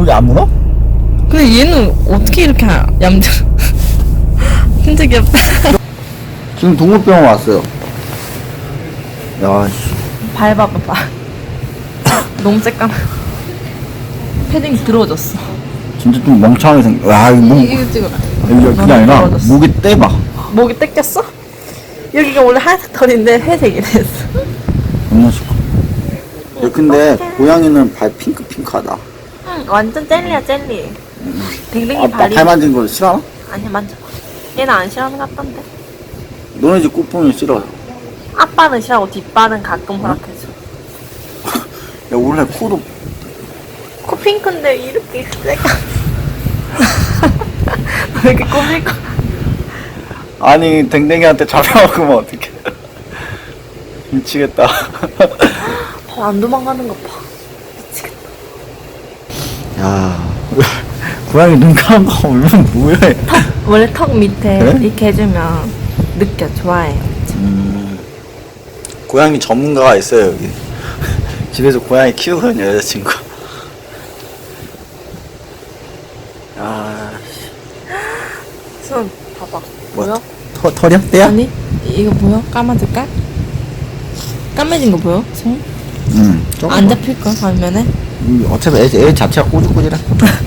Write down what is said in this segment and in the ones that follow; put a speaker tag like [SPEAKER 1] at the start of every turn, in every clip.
[SPEAKER 1] 목이 안 물어?
[SPEAKER 2] 근데 얘는 어떻게 이렇게 얌전 진짜 귀엽다.
[SPEAKER 1] 지금 동물병원 왔어요. 야, 씨.
[SPEAKER 2] 밟아봐봐. 너무 새까만. 패딩 들어졌어.
[SPEAKER 1] 진짜 좀 멍청하게 생겨. 와, 이거 목,
[SPEAKER 2] 이거 찍어.
[SPEAKER 1] 이게 그게 아니라,
[SPEAKER 2] 떨어졌어.
[SPEAKER 1] 목이 떼봐.
[SPEAKER 2] 목이 뜯겼어? 여기가 원래 하얀색 털인데 회색이 됐어.
[SPEAKER 1] 겁나 싫고. 야, 근데, 고양이는 발 핑크핑크하다.
[SPEAKER 2] 응, 완전 젤리야 젤리. 댕댕이
[SPEAKER 1] 아,
[SPEAKER 2] 발이.
[SPEAKER 1] 발 만지는 거 싫어?
[SPEAKER 2] 아니 만져봐. 얘는 안 싫어하는 것 같던데.
[SPEAKER 1] 너네 집 꽃봉이 싫어.
[SPEAKER 2] 앞발은 싫어하고 뒷발은 가끔 허락해줘.
[SPEAKER 1] 야, 원래 코도,
[SPEAKER 2] 코 핑크인데 이렇게 새까. 왜 이렇게 꾸밀 거?
[SPEAKER 1] 아니, 댕댕이한테 잡혀먹으면 어떡해. 미치겠다.
[SPEAKER 2] 안 도망가는 거 봐. 미치겠다.
[SPEAKER 1] 야, 고양이 눈 감은 거 보면 뭐해.
[SPEAKER 2] 원래 턱 밑에
[SPEAKER 1] 그래?
[SPEAKER 2] 이렇게 해주면 느껴 좋아해요.
[SPEAKER 1] 고양이 전문가가 있어요, 여기. 집에서 고양이 키우거든요, 여자친구. 아,
[SPEAKER 2] 손 봐봐.
[SPEAKER 1] 뭐,
[SPEAKER 2] 보여?
[SPEAKER 1] 털이야? 떼야?
[SPEAKER 2] 아니 이거 보여? 까마질까? 까매진 거 보여? 손? 안 잡힐걸 화면에?
[SPEAKER 1] 어차피 애 자체가 꼬질꼬질해.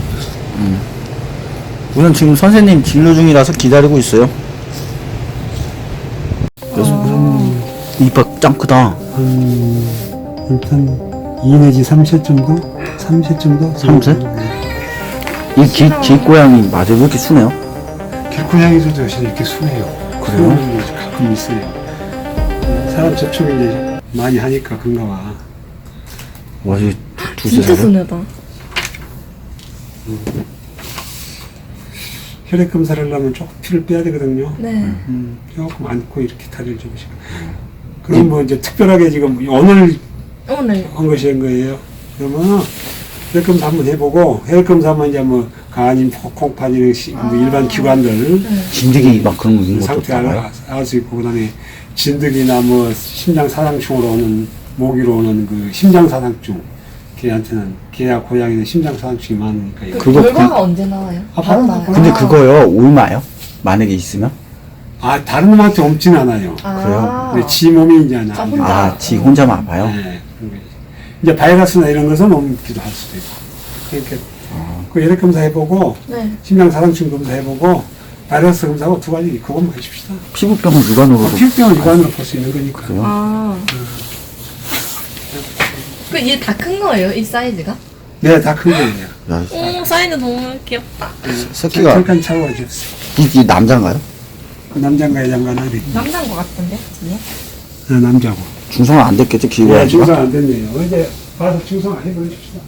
[SPEAKER 1] 우선 지금 선생님 진료 중이라서 기다리고 있어요. 그래서 이빨 짱 크다.
[SPEAKER 3] 일단 2 내지 3세 정도? 3세 정도?
[SPEAKER 1] 3세?
[SPEAKER 3] 네.
[SPEAKER 1] 이 길고양이 맞아요? 왜 이렇게 순해요?
[SPEAKER 3] 길고양이들도 요새 이렇게 순해요.
[SPEAKER 1] 그래요?
[SPEAKER 3] 순한 게 가끔 있어요. 사람 접촉을 이제 많이 하니까 그런가 봐.
[SPEAKER 1] 와, 이게 두세
[SPEAKER 2] 진짜
[SPEAKER 1] 살이야?
[SPEAKER 2] 순하다.
[SPEAKER 3] 혈액 검사를 하려면 조금 피를 빼야 되거든요.
[SPEAKER 2] 네.
[SPEAKER 3] 조금 안고 이렇게 다리를 접으시고. 그럼 뭐 이제 특별하게 지금 오늘
[SPEAKER 2] 오늘
[SPEAKER 3] 한 것이 한 거예요. 그러면 혈액 검사 한번 해보고 혈액 검사하면 이제 뭐 간인, 콩팥이나 뭐 일반 기관들
[SPEAKER 1] 진드기 막 그런 거 있는 것도
[SPEAKER 3] 상태
[SPEAKER 1] 나와요?
[SPEAKER 3] 알 수 있고 그다음에 진드기나 뭐 심장 사상충으로 오는 모기로 오는 그 심장 사상충 걔한테는 걔야 고양이는 심장 사상충이 많으니까 이거.
[SPEAKER 1] 그거
[SPEAKER 2] 결과가 언제 나와요?
[SPEAKER 3] 바로 나와요.
[SPEAKER 1] 근데 그거요, 옮아요? 만약에 있으면?
[SPEAKER 3] 아 다른 놈한테 옮진 않아요.
[SPEAKER 2] 아.
[SPEAKER 3] 근데 지 몸이 이제 안
[SPEAKER 2] 혼자.
[SPEAKER 1] 아, 지 혼자만 아파요?
[SPEAKER 3] 네, 그런 거지. 이제 바이러스나 이런 것은 옮기도 할 수도 있고. 그러니까 그 혈액 검사 해보고
[SPEAKER 2] 네.
[SPEAKER 3] 심장 사상충 검사 해보고 바이러스 검사하고 두 가지 그것만 해줍시다.
[SPEAKER 1] 피부병은 육안으로도.
[SPEAKER 3] 피부병은 육안으로 볼 수 있는 거니까.
[SPEAKER 1] 그래요?
[SPEAKER 2] 아. 그 얘 다 큰 거예요? 이 사이즈가?
[SPEAKER 3] 네, 다 큰 거예요.
[SPEAKER 1] 야,
[SPEAKER 2] 오 사이즈 너무 귀엽다.
[SPEAKER 1] 새끼가,
[SPEAKER 3] 잠깐 차고 주세요.
[SPEAKER 1] 이게 남자인가요?
[SPEAKER 3] 남자인가 여자인가 나리.
[SPEAKER 2] 남자인 것 같은데 지금?
[SPEAKER 3] 네, 남자고.
[SPEAKER 1] 중성은 안 됐겠지,
[SPEAKER 3] 네,
[SPEAKER 1] 기고양이가?
[SPEAKER 3] 중성 안 됐네요. 어제 봐서 중성 안 해보십시다.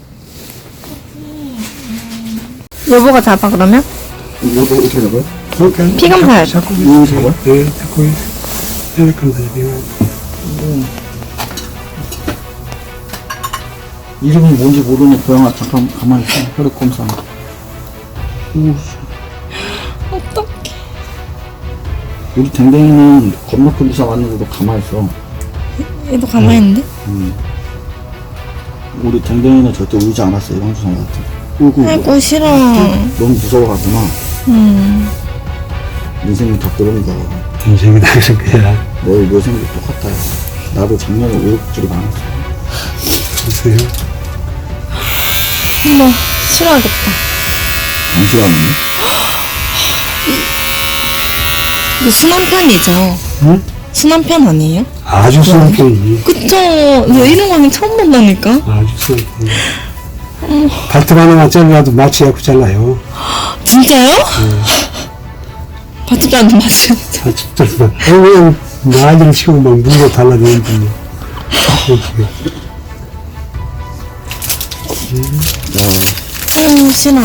[SPEAKER 2] 여보가 잡아 그러면?
[SPEAKER 1] 이거 어떻게 잡아요?
[SPEAKER 2] 피 검사해야죠.
[SPEAKER 3] 자꾸
[SPEAKER 1] 이거 잡아요?
[SPEAKER 3] 네, 자꾸 혈액 검사 해요.
[SPEAKER 1] 이름이 뭔지 모르는 고양아, 잠깐 가만히 있어. 혈액 검사. 오,
[SPEAKER 2] 어떡해.
[SPEAKER 1] 우리 댕댕이는 겁나 큰 주사 맞는데도 가만히 있어.
[SPEAKER 2] 얘도 가만히 있는데?
[SPEAKER 1] 우리 댕댕이는 절대 울지 않았어, 이런 주사 맞을 울고,
[SPEAKER 2] 아이고 싫어.
[SPEAKER 1] 너무 무서워가구나. 인생이 다 그런 거야.
[SPEAKER 3] 인생이 다 그런 거야.
[SPEAKER 1] 내 여생도 똑같아. 나도 작년에 우여곡절이 많았어.
[SPEAKER 3] 보세요.
[SPEAKER 2] 어머 싫어하겠다.
[SPEAKER 1] 안 싫어하는데?
[SPEAKER 2] 이거 순한 편이죠?
[SPEAKER 3] 응?
[SPEAKER 2] 순한 편 아니에요?
[SPEAKER 3] 아주 순한 편이지.
[SPEAKER 2] 그쵸. 나 이런 거는 처음 본다니까.
[SPEAKER 3] 아주 순한 편이지. 발톱 하나만 잘라도 마취하고 잘라요.
[SPEAKER 2] 진짜요? 발톱도 안 맞지?
[SPEAKER 3] 발톱 잘라. 그냥 나이를 치고 막 물고 달라지는 분이.
[SPEAKER 2] 싫어.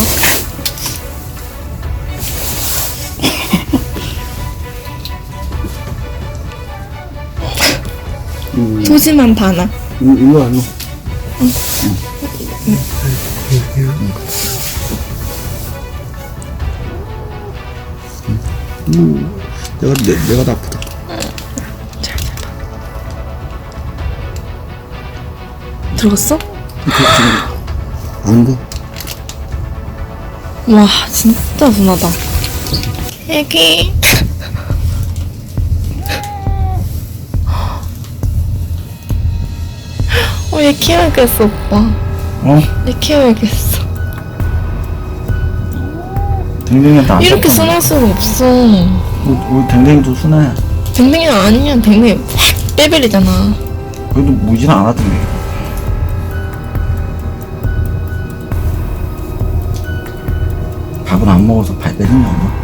[SPEAKER 2] 소심한 바나.
[SPEAKER 1] 일로 와, 일로. 내가 더 아프다.
[SPEAKER 2] 들어갔어?
[SPEAKER 1] 아닌가?
[SPEAKER 2] 와, 진짜 순하다. 애기. 얘 키워야겠어, 오빠.
[SPEAKER 1] 어?
[SPEAKER 2] 얘 키워야겠어.
[SPEAKER 1] 댕댕이한테 안
[SPEAKER 2] 이렇게
[SPEAKER 1] 섞어.
[SPEAKER 2] 순할 수가 없어.
[SPEAKER 1] 우리 댕댕이도 순해.
[SPEAKER 2] 댕댕이는 아니면 댕댕이 확 빼버리잖아.
[SPEAKER 1] 그래도 무지는 않았던데. 밥은 안 먹어서 발 빼는 거 없나?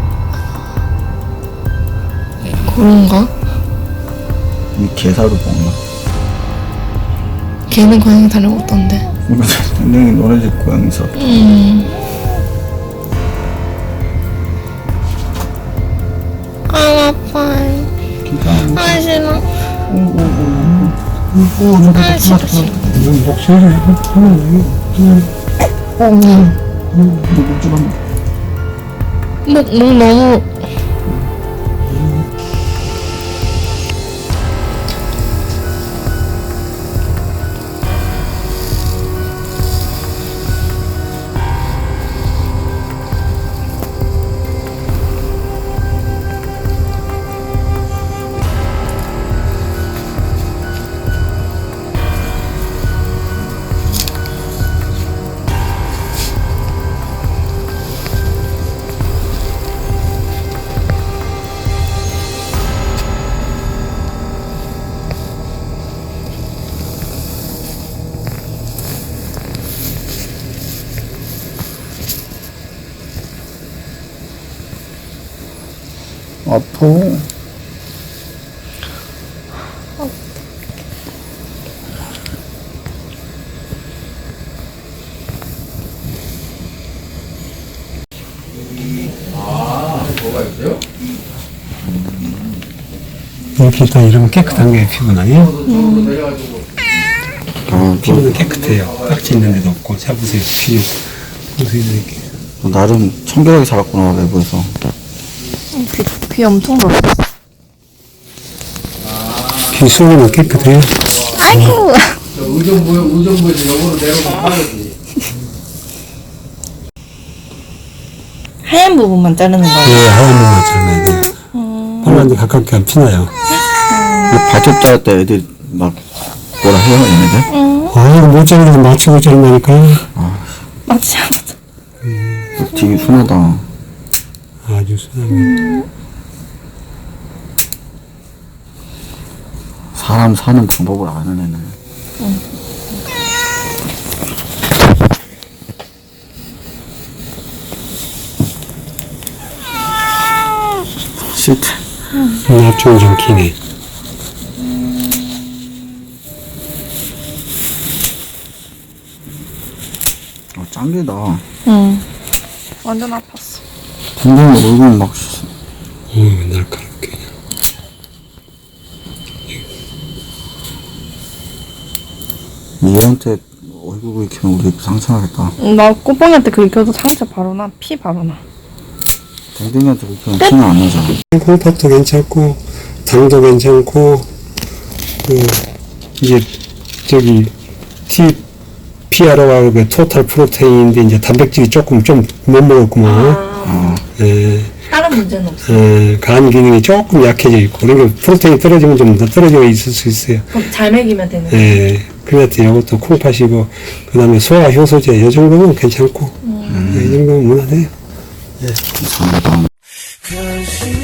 [SPEAKER 2] 그런가?
[SPEAKER 1] 이 개사로 먹나?
[SPEAKER 2] 걔는 고양이 다녀왔던데.
[SPEAKER 1] 댕댕이 너네 집 고양이 있어.
[SPEAKER 2] 아, 아파.
[SPEAKER 1] 진짜.
[SPEAKER 2] 아, 싫어.
[SPEAKER 1] 아,
[SPEAKER 2] 싫어, 싫어.
[SPEAKER 3] 목소리 하면
[SPEAKER 2] 목 너무.
[SPEAKER 1] 아파.
[SPEAKER 3] 이렇게 다 이러면 깨끗한 게 피부는 아니에요?
[SPEAKER 1] 아,
[SPEAKER 3] 피부는 깨끗해요. 딱지 있는 데도 없고. 잡으세요. 피부. 보세요, 이렇게.
[SPEAKER 1] 너 나름 청결하게 살았구나, 외부에서.
[SPEAKER 2] 귀 엄청 넓어.
[SPEAKER 3] 피 속은 깨끗해요.
[SPEAKER 2] 아이고.
[SPEAKER 4] 의정부에서 영어로 내려오면 빠르지.
[SPEAKER 2] 하얀 부분만 자르는 거야.
[SPEAKER 3] 예, 하얀 부분 잘라야 돼요. 빨간데 가깝게 안 피나요.
[SPEAKER 1] 발톱 자를 때 애들이 막 뭐라 해요, 얘네들?
[SPEAKER 3] 아, 이거 못 자르는 거 맞추고 자른다니까요.
[SPEAKER 2] 맞지 않았어.
[SPEAKER 1] 되게 순하다.
[SPEAKER 3] 아주 순하게.
[SPEAKER 1] 사람 사는 방법을 아는 애는. 싫대.
[SPEAKER 3] 납종이 좀 기네.
[SPEAKER 1] 짱개다.
[SPEAKER 2] 응. 완전 아팠어.
[SPEAKER 1] 댕댕이 얼굴 막,
[SPEAKER 3] 날카롭게.
[SPEAKER 1] 얘한테 얼굴 긁히면 우리 상처나겠다.
[SPEAKER 2] 나 꼬뽕이한테 긁혀도 상처 바로 나. 피 바로 나.
[SPEAKER 1] 댕댕이한테 긁히면 피는 안 나잖아.
[SPEAKER 3] 콩팥도 괜찮고, 당도 괜찮고, 이제, 저기, PRO가 그 토탈 프로테인인데, 이제 단백질이 조금 좀 못 먹었구만. 예.
[SPEAKER 2] 다른 문제는 없어.
[SPEAKER 3] 간 기능이 조금 약해져 있고, 그러니까 프로테인이 떨어지면 좀 더 떨어져 있을 수 있어요.
[SPEAKER 2] 그럼 잘 먹이면 되는 거야.
[SPEAKER 3] 예. 그래서 이것도 콩팥이고, 그 다음에 소화 효소제, 이 정도면 괜찮고, 이 정도면 무난해요.
[SPEAKER 1] 이상하다.
[SPEAKER 5] Cause you